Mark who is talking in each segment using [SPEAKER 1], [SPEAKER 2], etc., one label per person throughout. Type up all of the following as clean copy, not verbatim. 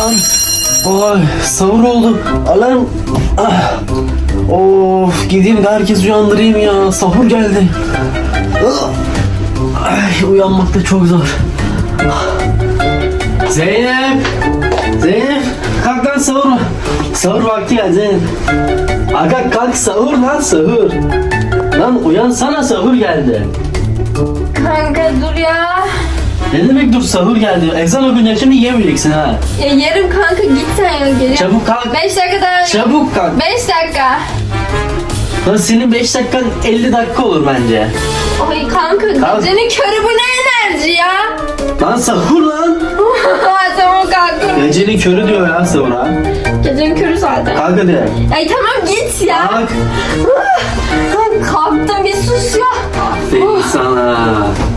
[SPEAKER 1] Lan. Oy, sahur oldu. Alarm. Ah. Of, gideyim de herkes uyandırayım ya. Sahur geldi. Ah. Ay, uyanmak da çok zor. Ah. Zeynep. Zeynep. Kalk lan sahur. Sahur vakti geldi Zeynep. Aga kalk sahur lan sahur. Lan uyansana sahur geldi.
[SPEAKER 2] Kanka dur ya.
[SPEAKER 1] Ne demek dur sahur geldi. Ezan okunca şimdi yiyemeyeceksin ha.
[SPEAKER 2] Ya yarım kanka git sen ya geri.
[SPEAKER 1] Çabuk kalk.
[SPEAKER 2] 5 dakika daha.
[SPEAKER 1] Çabuk kalk.
[SPEAKER 2] 5 dakika.
[SPEAKER 1] Lan senin 5 dakikan 50 dakika olur bence.
[SPEAKER 2] Ay kanka
[SPEAKER 1] Kalk.
[SPEAKER 2] gecenin körü bu ne enerji ya?
[SPEAKER 1] Lan sahur lan.
[SPEAKER 2] Tamam kalk.
[SPEAKER 1] Gecenin körü diyor ya sahura.
[SPEAKER 2] Gecenin körü zaten.
[SPEAKER 1] Kalk hadi.
[SPEAKER 2] Ay tamam git ya.
[SPEAKER 1] Kalk.
[SPEAKER 2] Kalktım bir sus ya.
[SPEAKER 1] Aferin sana.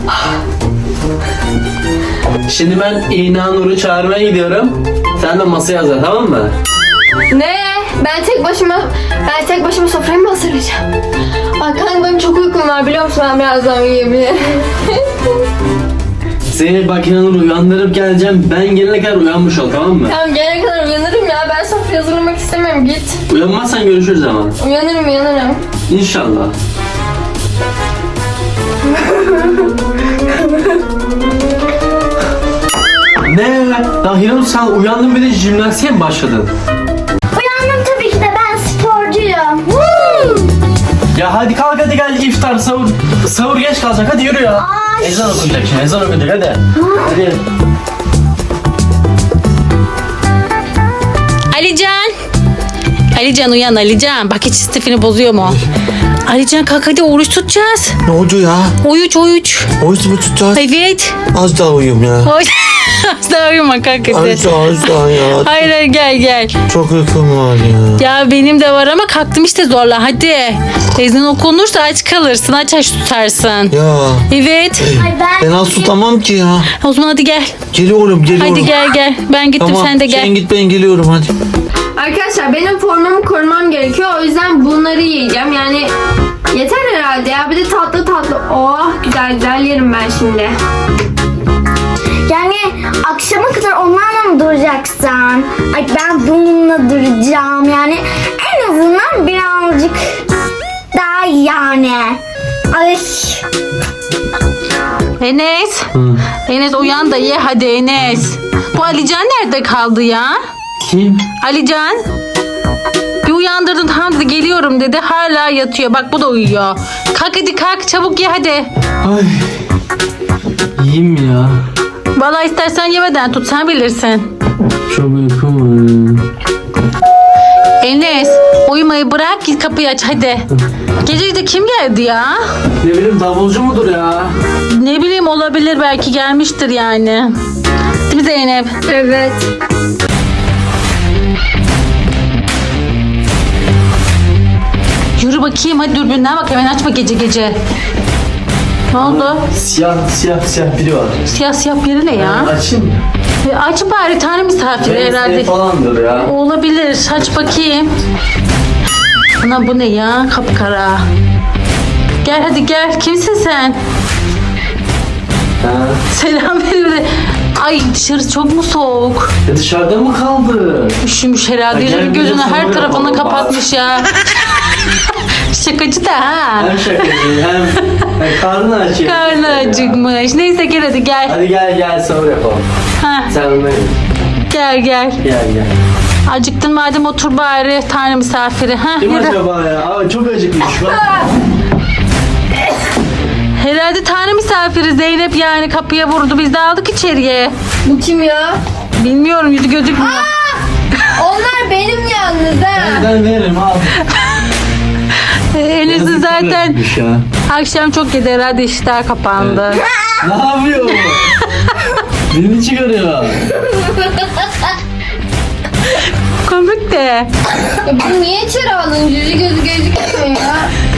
[SPEAKER 1] Şimdi ben İna Nur'u çağırmaya gidiyorum. Sen de masaya hazır, tamam mı?
[SPEAKER 2] Ne? Ben tek başıma sofrayı mı hazırlayacağım? Ay kanka benim çok uykum var biliyor musun? Ben birazdan uyuyabilirim.
[SPEAKER 1] Seni bak İna Nur'u uyandırıp geleceğim. Ben gelene kadar uyanmış ol, tamam mı?
[SPEAKER 2] Tamam gelene kadar uyanırım ya. Ben sofrayı hazırlamak istemiyorum git.
[SPEAKER 1] Uyanmazsan görüşürüz ama.
[SPEAKER 2] Uyanırım.
[SPEAKER 1] İnşallah. Ne? Ya Hiranur sen uyandın bir de jimnastiğe mi başladın?
[SPEAKER 3] Uyandım tabii ki de ben sporcuyum.
[SPEAKER 1] Ya hadi kalk hadi gel iftar sahur. Sahur geç kalacak hadi yürü ya.
[SPEAKER 3] Ay.
[SPEAKER 1] Ezan okunacak şimdi ezan okunacak hadi. Hadi.
[SPEAKER 4] Alican uyan Alican. Bak hiç istifini bozuyor mu? Alican kalk hadi oruç tutacağız.
[SPEAKER 5] Ne oldu ya?
[SPEAKER 4] Oruç.
[SPEAKER 5] Oruç mu tutacağız?
[SPEAKER 4] Evet.
[SPEAKER 5] Az daha uyuyayım ya.
[SPEAKER 4] Oruç. Asla uyuma kalk hadi.
[SPEAKER 5] Az daha ya.
[SPEAKER 4] Hayır gel.
[SPEAKER 5] Çok uykum var ya.
[SPEAKER 4] Ya benim de var ama kalktım işte zorla hadi. Ezan okunursa aç kalırsın aç tutarsın.
[SPEAKER 5] Ya.
[SPEAKER 4] Evet.
[SPEAKER 3] Ay ben
[SPEAKER 5] Ben az tutamam ki ya.
[SPEAKER 4] O zaman hadi gel.
[SPEAKER 5] Geliyorum.
[SPEAKER 4] Hadi gel. Ben gittim
[SPEAKER 5] Tamam
[SPEAKER 4] sen de gel.
[SPEAKER 5] sen git ben geliyorum hadi.
[SPEAKER 2] Arkadaşlar benim formumu korumam gerekiyor. O yüzden bunları yiyeceğim. Yani yeter herhalde ya. Bir de tatlı. Oh güzel yerim ben şimdi.
[SPEAKER 3] yani akşama kadar onlarla mı duracaksın? Ay ben bununla duracağım yani en azından birazcık daha yani. Ay
[SPEAKER 4] Enes. Enes uyan da ye hadi Enes. Bu Alican nerede kaldı ya?
[SPEAKER 1] Kim?
[SPEAKER 4] Alican. Bir uyandırdın tamam dedi geliyorum dedi. Hala yatıyor. Bak bu da uyuyor. Kalk hadi kalk çabuk ye hadi.
[SPEAKER 1] Ay. Yiyeyim mi ya?
[SPEAKER 4] Vallahi istersen yemeden tut sen bilirsin.
[SPEAKER 1] Çok uykum var.
[SPEAKER 4] Enes uyumayı bırak git kapıyı aç hadi. Gece de kim geldi ya?
[SPEAKER 1] Ne bileyim davulcu mudur ya?
[SPEAKER 4] Ne bileyim olabilir belki gelmiştir yani. Değil mi Zeynep?
[SPEAKER 2] Evet.
[SPEAKER 4] Yürü bakayım hadi dürbünden bak hemen açma gece. Ne oldu?
[SPEAKER 1] Siyah biri var.
[SPEAKER 4] Siyah biri ne ya?
[SPEAKER 1] Açayım mı?
[SPEAKER 4] Aç bari tane misafir herhalde.
[SPEAKER 1] Falandır ya.
[SPEAKER 4] Olabilir. Aç bakayım. Ana bu ne ya? Kapkara. Gel hadi gel. Kimsin sen?
[SPEAKER 1] Ha.
[SPEAKER 4] Selam verin. Ay dışarı çok mu soğuk?
[SPEAKER 1] Dışarıda mı kaldı?
[SPEAKER 4] Üşümüş herhalde.
[SPEAKER 1] Ay, gel
[SPEAKER 4] Yüzünü
[SPEAKER 1] bir de
[SPEAKER 4] gözünü her
[SPEAKER 1] sonra
[SPEAKER 4] tarafını
[SPEAKER 1] yapalım
[SPEAKER 4] kapatmış ya. Şakacı da ha.
[SPEAKER 1] Hem şakacı hem karnı açıyor.
[SPEAKER 4] Karnı acıkmış. Neyse gel hadi gel.
[SPEAKER 1] Hadi gel sahur yapalım.
[SPEAKER 4] Ha,
[SPEAKER 1] Sen onunla gel.
[SPEAKER 4] gel.
[SPEAKER 1] Gel.
[SPEAKER 4] Acıktın madem otur bari tane misafiri. Ha,
[SPEAKER 1] Kim
[SPEAKER 4] yürü.
[SPEAKER 1] acaba ya? Aa, çok acıkmış bak.
[SPEAKER 4] Herhalde tane misafiri Zeynep yani kapıya vurdu. Biz de aldık içeriye.
[SPEAKER 2] Bu kim ya?
[SPEAKER 4] Bilmiyorum yüzü gözükmüyor.
[SPEAKER 2] Onlar benim yalnız ha.
[SPEAKER 1] Ben veririm al.
[SPEAKER 4] Enes'i zaten
[SPEAKER 1] Acıkmış ya.
[SPEAKER 4] akşam çok yedi herhalde işler kapandı.
[SPEAKER 1] Ne yapıyor? Dilini çıkarıyor.
[SPEAKER 4] Komik de.
[SPEAKER 2] Ya bunu niye içeri aldın? Yüzü gözü gözükmüyor ya.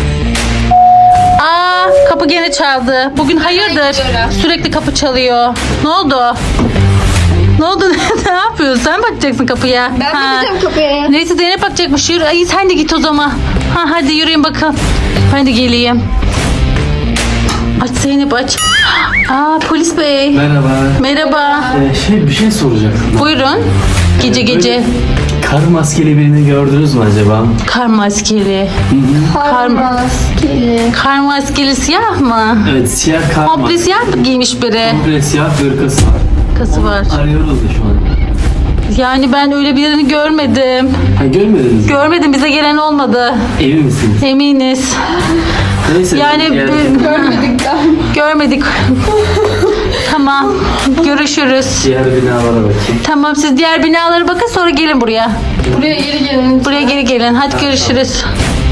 [SPEAKER 4] Aa kapı gene çaldı. Bugün hayırdır?
[SPEAKER 2] gidiyorum.
[SPEAKER 4] Sürekli kapı çalıyor. Ne oldu? Ne oldu? Ne yapıyorsun? Sen bakacaksın kapıya.
[SPEAKER 2] Ben
[SPEAKER 4] Ha.
[SPEAKER 2] bakacağım kapıya.
[SPEAKER 4] Neyse Zeynep bakacakmış. Yürü. Ay sen de git o zaman. Ha hadi yürüyün bakın. Ben de geleyim. Aç Zeynep aç. Aa, polis bey.
[SPEAKER 1] Merhaba.
[SPEAKER 4] Merhaba.
[SPEAKER 1] Bir şey soracaktım.
[SPEAKER 4] Buyurun. Gece gece.
[SPEAKER 1] Kar maskeli birini gördünüz mü acaba?
[SPEAKER 4] Kar maskeli.
[SPEAKER 2] Kar maskeli.
[SPEAKER 4] Kar maskeli siyah mı?
[SPEAKER 1] Evet, siyah kar
[SPEAKER 4] Komple
[SPEAKER 1] maskeli.
[SPEAKER 4] siyah mı giymiş biri?
[SPEAKER 1] Komple siyah hırkası var.
[SPEAKER 4] Kası var.
[SPEAKER 1] Arıyoruz da şu an.
[SPEAKER 4] Yani ben öyle birini görmedim.
[SPEAKER 1] Ha, görmediniz mi?
[SPEAKER 4] Görmedim, bize gelen olmadı.
[SPEAKER 1] Emin misiniz?
[SPEAKER 4] Eminiz.
[SPEAKER 1] Neyse.
[SPEAKER 4] Yani
[SPEAKER 2] Görmedik daha.
[SPEAKER 4] görmedik. Tamam. Görüşürüz.
[SPEAKER 1] Diğer binalara bakayım.
[SPEAKER 4] Tamam, siz diğer binalara bakın, sonra gelin buraya.
[SPEAKER 2] Buraya geri gelin.
[SPEAKER 4] Buraya geri gelin. Hadi görüşürüz.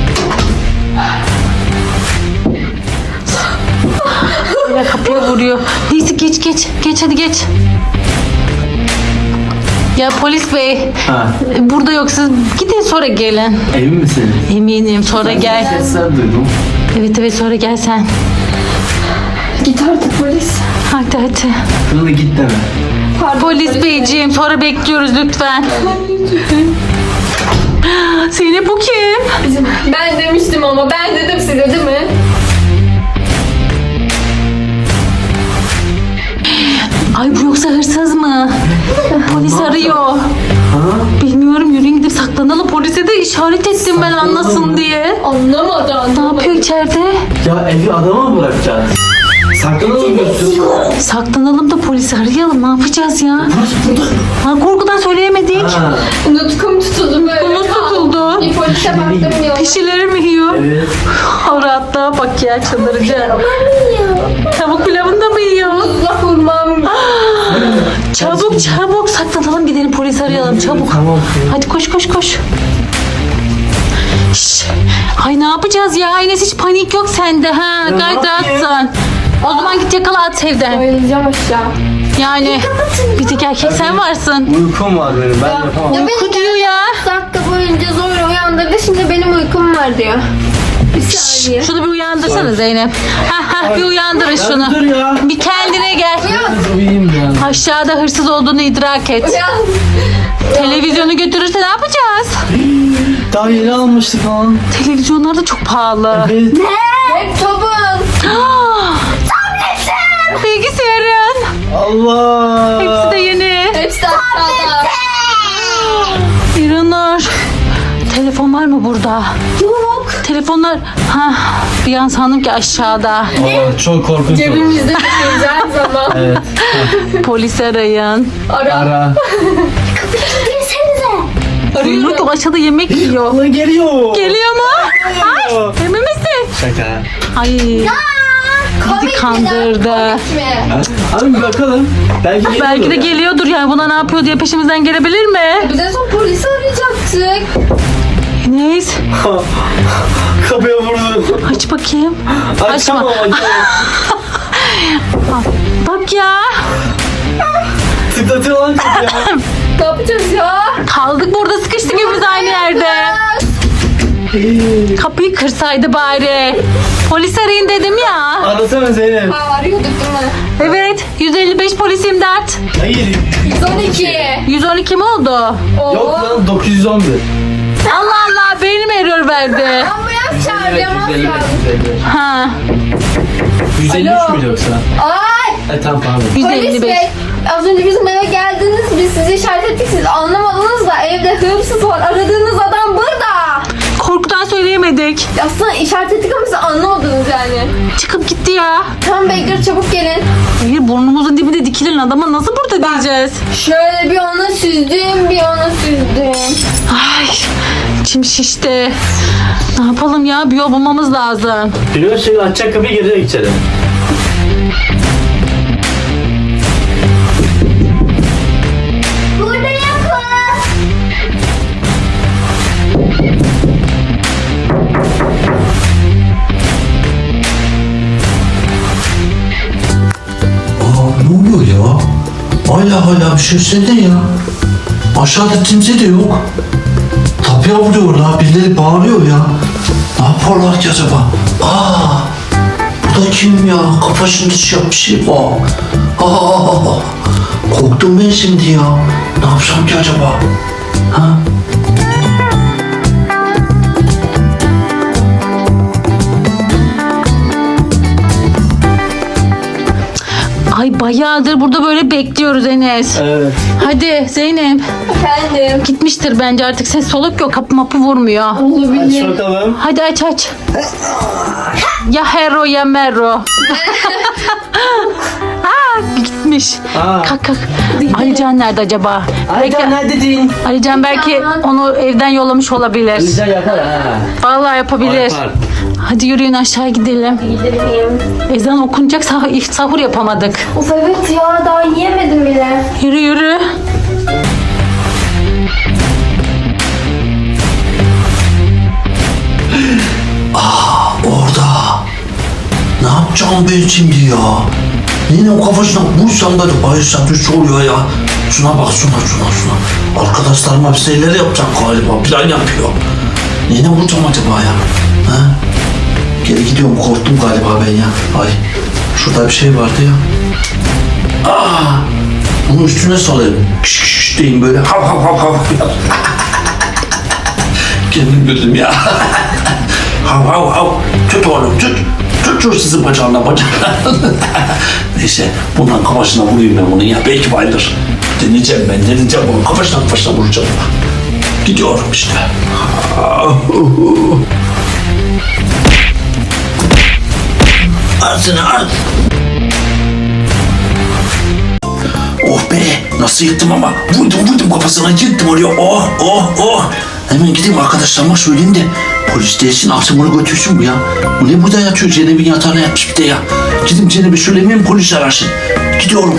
[SPEAKER 4] Ya kapıya vuruyor. Neyse geç geç. Geç hadi geç. Ya polis bey,
[SPEAKER 1] Ha,
[SPEAKER 4] burada yok, siz gidin sonra gelin.
[SPEAKER 1] emin misiniz?
[SPEAKER 4] Eminim, sonra gel.
[SPEAKER 1] Sesler duydum.
[SPEAKER 4] Evet evet, sonra gel sen.
[SPEAKER 2] Git artık polis.
[SPEAKER 4] Hadi hadi.
[SPEAKER 1] Kınalı git deme.
[SPEAKER 2] Pardon,
[SPEAKER 4] Polis beyciğim, sonra bekliyoruz lütfen. Zeynep, bu kim?
[SPEAKER 2] Ben demiştim ama ben dedim size değil mi?
[SPEAKER 4] Ay, bu yoksa hırsız mı? Polis arıyor.
[SPEAKER 1] Ha?
[SPEAKER 4] Bilmiyorum, yürüyün gidip saklanalım. Polise de işaret ettim ben, anlasın diye.
[SPEAKER 2] Anlamadı
[SPEAKER 4] Ne
[SPEAKER 2] anlamadı.
[SPEAKER 4] yapıyor içeride?
[SPEAKER 1] Ya evi adama mı bırakacağız? Saklanalım götürün.
[SPEAKER 4] Saklanalım da polisi arayalım. Ne yapacağız ya? Ha, korkudan söyleyemedik.
[SPEAKER 1] Ha,
[SPEAKER 2] Nutkum tutuldu böyle.
[SPEAKER 4] Bu nasıl tutuldu?
[SPEAKER 2] Bir polise baktım ya.
[SPEAKER 4] Pişileri mi yiyor?
[SPEAKER 1] evet.
[SPEAKER 4] O rahatlığa bak ya, çıldıracağım. Tavuk pilavını da mı yiyor?
[SPEAKER 2] Allah vurmam.
[SPEAKER 4] Çabuk çabuk saklanalım, gidelim polisi arayalım çabuk.
[SPEAKER 1] Tamam.
[SPEAKER 4] Hadi koş koş koş. Şş. Ay, ne yapacağız ya? Enes, hiç panik yok sende ha.
[SPEAKER 1] Ya
[SPEAKER 4] Gayet
[SPEAKER 1] ne yapayım?
[SPEAKER 4] rahatsın. O zaman git yakala, at evden.
[SPEAKER 2] Bayılacağım aşağı.
[SPEAKER 4] Yani bir tek erkek sen varsın.
[SPEAKER 1] Uykum var benim. Ben yapamam.
[SPEAKER 4] Uyku diyor ya.
[SPEAKER 2] Dakika boyunca zor uyandırdı. Şimdi benim uykum var diyor. Bir saniye.
[SPEAKER 4] Şunu bir uyandırsana Zeynep. Ha bir uyandırın
[SPEAKER 1] Dur
[SPEAKER 4] şunu.
[SPEAKER 1] ya.
[SPEAKER 4] Bir kendine gel.
[SPEAKER 1] Uyuyayım ya.
[SPEAKER 4] Aşağıda hırsız olduğunu idrak et.
[SPEAKER 2] Uyan.
[SPEAKER 4] Televizyonu götürürse ne yapacağız?
[SPEAKER 1] Daha yeni almıştık lan.
[SPEAKER 4] Televizyonlar da çok pahalı.
[SPEAKER 1] Evet.
[SPEAKER 2] Laptopun.
[SPEAKER 4] Bilgisayarın.
[SPEAKER 1] Allah.
[SPEAKER 4] Hepsi de yeni.
[SPEAKER 2] Hepsi aşağıda.
[SPEAKER 4] İranur. Telefon var mı burada?
[SPEAKER 2] Yok.
[SPEAKER 4] Telefonlar. Ha, bir an sandım ki aşağıda.
[SPEAKER 1] Aa, çok korkunç oldu.
[SPEAKER 2] Cebimizde tutuyoruz her zaman.
[SPEAKER 1] Evet.
[SPEAKER 4] Polis arayın.
[SPEAKER 2] Ara.
[SPEAKER 1] Ara.
[SPEAKER 3] Girsenize.
[SPEAKER 4] İranur çok aşağıda yemek yiyor.
[SPEAKER 1] Allah geliyor.
[SPEAKER 4] Geliyor mu? Ay, emin misin?
[SPEAKER 1] Şaka.
[SPEAKER 4] Ay, bizi kandırdı.
[SPEAKER 1] Abi bir bakalım. Belki geliyor.
[SPEAKER 4] Belki de geliyordur yani, buna ne yapıyor diye peşimizden gelebilir mi?
[SPEAKER 2] Biz en son polisi arayacaktık.
[SPEAKER 4] Enes,
[SPEAKER 1] Kapıya vurdu.
[SPEAKER 4] aç bakayım.
[SPEAKER 1] Açamam.
[SPEAKER 2] Bak ya.
[SPEAKER 1] Tıklatıyor lan kapıya.
[SPEAKER 2] Ne yapacağız ya?
[SPEAKER 4] Kaldık burada, sıkıştık hepimiz aynı yerde. Kapıyı kırsaydı bari. Polis arayın dedim ya.
[SPEAKER 1] Arasana Zeynep.
[SPEAKER 2] Ha, arıyorduk değil mi?
[SPEAKER 4] Evet, 155 polis imdat.
[SPEAKER 1] Hayır.
[SPEAKER 2] 112.
[SPEAKER 4] 112 mi oldu?
[SPEAKER 2] Oo.
[SPEAKER 1] Yok lan 911.
[SPEAKER 4] Allah Allah, benim error verdi.
[SPEAKER 2] Ambulans çağıracağım az kaldı.
[SPEAKER 4] Ha,
[SPEAKER 1] 153
[SPEAKER 2] Alo.
[SPEAKER 1] mü yoksa?
[SPEAKER 2] Ay.
[SPEAKER 1] Tamam pardon.
[SPEAKER 2] Polis
[SPEAKER 4] 155.
[SPEAKER 2] bey. Az önce bizim eve geldiniz. Biz sizi işaret ettik. Siz anlamadınız da evde hırsız var. Aradığınız adam burada.
[SPEAKER 4] Korkudan söyleyemedik.
[SPEAKER 2] Aslında işaret ettik ama siz anlamadınız yani.
[SPEAKER 4] Çıkıp gitti ya.
[SPEAKER 2] Tamam Baker çabuk gelin.
[SPEAKER 4] Hayır, burnumuzun dibinde dikilen adama nasıl burada diyeceğiz?
[SPEAKER 2] Şöyle bir ona süzdüm, bir ona süzdüm.
[SPEAKER 4] Ay, içim şişti. Ne yapalım ya? Bir yol bulmamız lazım.
[SPEAKER 1] Biliyor şimdi açacak kapıyı girecek içeri.
[SPEAKER 3] Burada yapın.
[SPEAKER 5] Ne oluyor ya? Hala bir şey söylesene ya. Aşağıda kimse de yok. Kapıya vuruyorlar, birileri bağırıyor ya. Ne yaparlar ki acaba? Bu da kim ya? Kafasında siyah bir şey var. Korktum ben şimdi ya. Ne yapsam ki acaba? Ha?
[SPEAKER 4] Bayağıdır burada böyle bekliyoruz Enes.
[SPEAKER 1] Evet.
[SPEAKER 4] Hadi Zeynep.
[SPEAKER 2] Efendim.
[SPEAKER 4] Gitmiştir bence artık. Ses soluk yok. Kapı mapı vurmuyor.
[SPEAKER 1] Aç bakalım.
[SPEAKER 4] Hadi aç. Ya hero ya mero. Gitmiş.
[SPEAKER 1] Aa.
[SPEAKER 4] Kalk. Alican nerede acaba?
[SPEAKER 1] Alican neredesin?
[SPEAKER 4] Alican belki onu evden yollamış olabilir.
[SPEAKER 1] Alican yapar ha.
[SPEAKER 4] Vallahi yapabilir.
[SPEAKER 1] Yapar.
[SPEAKER 4] Hadi yürüyün aşağı gidelim.
[SPEAKER 2] Gidelim.
[SPEAKER 4] Ezan okunacak sahur yapamadık.
[SPEAKER 2] Of evet ya daha yiyemedim bile.
[SPEAKER 4] Yürü.
[SPEAKER 5] Orada. Ne yapacağım ben şimdi ya? Yine o kafasına vursam da bayılsam bir şey oluyor ya. Şuna bak şuna. Arkadaşlarıma bir şeyler yapacak galiba. Plan yapıyor. Yine vuracağım acaba ya? Ha? Geri gidiyorum, korktum galiba ben ya. Ay şurada bir şey vardı ya. Bunun üstüne salayım. Kış deyin böyle. Hav. Kendim güldüm ya. Hav. Tut oğlum tut. Tut sizin bacağına. Neyse bundan kafasına vurayım ben bunu ya. Belki bayılır. Deneyeceğim bunu. Kafasına vuracağım. Gidiyorum işte. At. Oh be, nasıl yıktım ama. Vurdum kafasına, yıktım oraya. Oh. Hemen gideyim arkadaşlarıma söyleyeyim de polis değilsin, altımını götürsün bu ya. Bu ne burada yatıyor? Ceneb'in yatağına yatmış bir de ya. Gidip Ceneb'e söylemeyeyim, polis ararsın. Gidiyorum.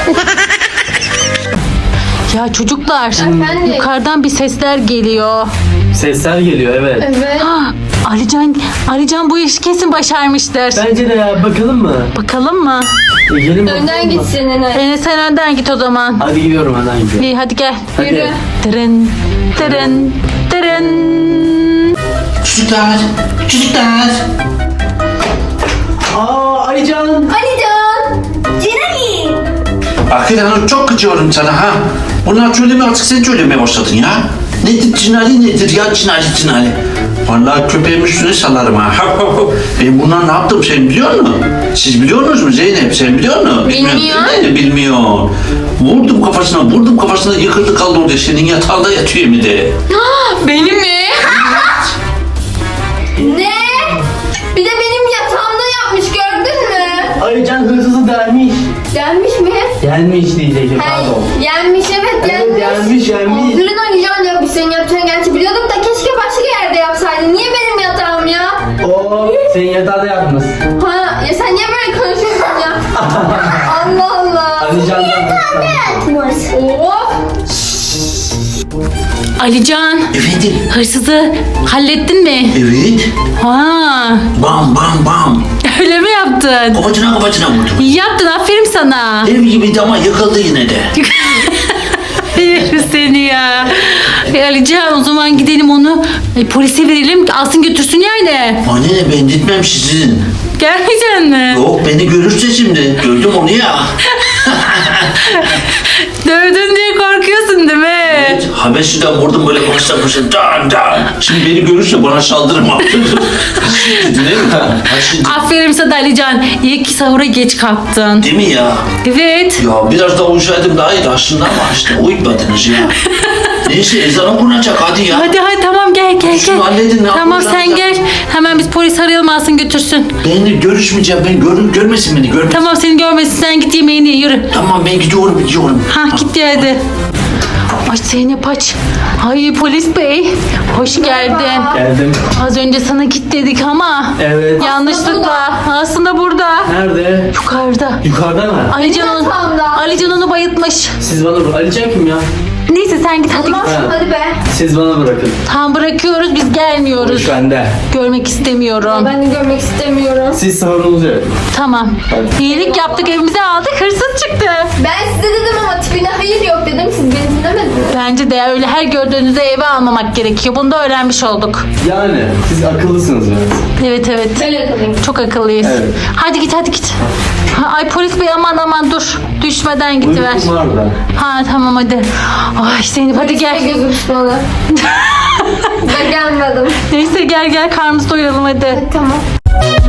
[SPEAKER 4] Ya çocuklar.
[SPEAKER 2] Efendim?
[SPEAKER 4] Yukarıdan bir sesler geliyor.
[SPEAKER 1] Sesler geliyor evet.
[SPEAKER 2] Evet.
[SPEAKER 4] Alican bu işi kesin başarmıştır.
[SPEAKER 1] Bence de ya, bakalım mı?
[SPEAKER 4] Bakalım mı?
[SPEAKER 1] Gelin bakalım
[SPEAKER 2] Önden
[SPEAKER 1] mı?
[SPEAKER 2] gitsin Enes.
[SPEAKER 4] Enes sen önden git o zaman.
[SPEAKER 1] Hadi gidiyorum, önden gidiyorum.
[SPEAKER 4] İyi hadi gel.
[SPEAKER 1] Hadi.
[SPEAKER 2] Yürü.
[SPEAKER 4] Tırın.
[SPEAKER 5] Çocuklar.
[SPEAKER 1] Alican.
[SPEAKER 2] Alican.
[SPEAKER 5] Akil Hanım çok kıcıyorum sana ha. Bunlar söyleme artık, sen söylemeye başladın ya. Nedir nedir ya cinali. Vallahi köpeğim üstüne salarım ha. Ben bunlar ne yaptım sen biliyor musun? Siz biliyor musunuz mu Zeynep? Sen biliyor musun? Bilmiyor. Vurdum kafasına yıkıldı kaldı orada. Senin yatağında yatıyor mu de.
[SPEAKER 4] Benim mi?
[SPEAKER 2] Ne? Bir de benim yatağımda yapmış gördün mü?
[SPEAKER 1] Alican hırsızı gelmiş.
[SPEAKER 2] Gelmiş mi?
[SPEAKER 1] Gelmiş diyecektim, pardon.
[SPEAKER 2] Gelmiş evet gelmiş.
[SPEAKER 1] Gelmiş.
[SPEAKER 2] Aferin Alican ya biz senin yapacağın gerçi biliyorduk da keşke başka yerde yapsaydın. Niye benim yatağım ya?
[SPEAKER 1] Senin yatağında yapmış.
[SPEAKER 2] Ha ya sen niye böyle konuşuyorsun ya? Allah Allah.
[SPEAKER 1] Alican'dan.
[SPEAKER 2] Of.
[SPEAKER 4] Alican
[SPEAKER 5] Efendim?
[SPEAKER 4] hırsızı hallettin mi?
[SPEAKER 5] Evet.
[SPEAKER 4] Ha,
[SPEAKER 5] Bam.
[SPEAKER 4] öyle mi yaptın?
[SPEAKER 5] Kafacına vurdum.
[SPEAKER 4] İyi yaptın aferin sana.
[SPEAKER 5] Ev gibiydi ama yıkıldı yine de.
[SPEAKER 4] Yerim seni ya. Alican o zaman gidelim onu polise verelim alsın götürsün yani.
[SPEAKER 5] Anne ben gitmem sizin.
[SPEAKER 4] Gelmeyecek mi?
[SPEAKER 5] Yok beni görürse şimdi. Gördüm onu ya.
[SPEAKER 4] Dövdün diye korkuyorsun değil mi?
[SPEAKER 5] Evet, Habeşi'den vurdum böyle konuştan. Dan. Şimdi beni görürse bana saldırma. Değil mi? Hadi.
[SPEAKER 4] Aferin sana Alican. İyi ki sahura geç kalktın.
[SPEAKER 5] Değil mi ya?
[SPEAKER 4] Evet.
[SPEAKER 5] Ya biraz daha uyusaydım daha iyiydi aslında ama işte uyutmadınız ya. Neyse ezan okunacak hadi ya.
[SPEAKER 4] Hadi tamam gel.
[SPEAKER 5] Şunu halledin, ne
[SPEAKER 4] Tamam
[SPEAKER 5] yapacağız
[SPEAKER 4] sen
[SPEAKER 5] ya?
[SPEAKER 4] gel. Hemen biz polis arayalım alsın götürsün.
[SPEAKER 5] Ben de görüşmeyeceğim. Görmesin beni.
[SPEAKER 4] Tamam seni görmesin sen git yemeğini ye yürü.
[SPEAKER 5] Tamam ben gidiyorum.
[SPEAKER 4] Ha git ya hadi. Ay Zeynep aç. Ay polis bey. Hoş geldin.
[SPEAKER 1] Geldim.
[SPEAKER 4] Az önce sana git dedik ama.
[SPEAKER 1] Evet.
[SPEAKER 4] Yanlışlıkla. Aslında burada.
[SPEAKER 1] Nerede?
[SPEAKER 4] Yukarıda.
[SPEAKER 1] Yukarıda mı?
[SPEAKER 4] Alican onu bayıltmış.
[SPEAKER 1] Siz bana Alican kim ya?
[SPEAKER 4] Neyse sen git hadi git.
[SPEAKER 2] Hadi be.
[SPEAKER 1] Siz bana bırakın.
[SPEAKER 4] Tam bırakıyoruz biz gelmiyoruz.
[SPEAKER 1] Şu bende.
[SPEAKER 4] Görmek istemiyorum.
[SPEAKER 2] Ben de görmek istemiyorum.
[SPEAKER 1] Siz savurunuzu yapın.
[SPEAKER 4] Tamam. İyilik yaptık evimize aldık hırsız çıktı.
[SPEAKER 2] Ben size dedim ama tipine hayır yok dedim. Siz beni dinlemediniz.
[SPEAKER 4] Bence de öyle her gördüğünüzde eve almamak gerekiyor. Bunu da öğrenmiş olduk.
[SPEAKER 1] Yani siz akıllısınız biraz.
[SPEAKER 4] Evet.
[SPEAKER 2] Böyle kalayım.
[SPEAKER 4] Çok akıllıyız.
[SPEAKER 1] Evet.
[SPEAKER 4] Hadi git. Ay polis bey aman dur. Düşmeden gidiver.
[SPEAKER 1] Uykum var da.
[SPEAKER 4] Ha tamam hadi. Ay Zeynep hadi gel.
[SPEAKER 2] Gözüm tutmalı. Ben gelmedim.
[SPEAKER 4] Neyse gel karnımızı doyuralım hadi.
[SPEAKER 2] Tamam.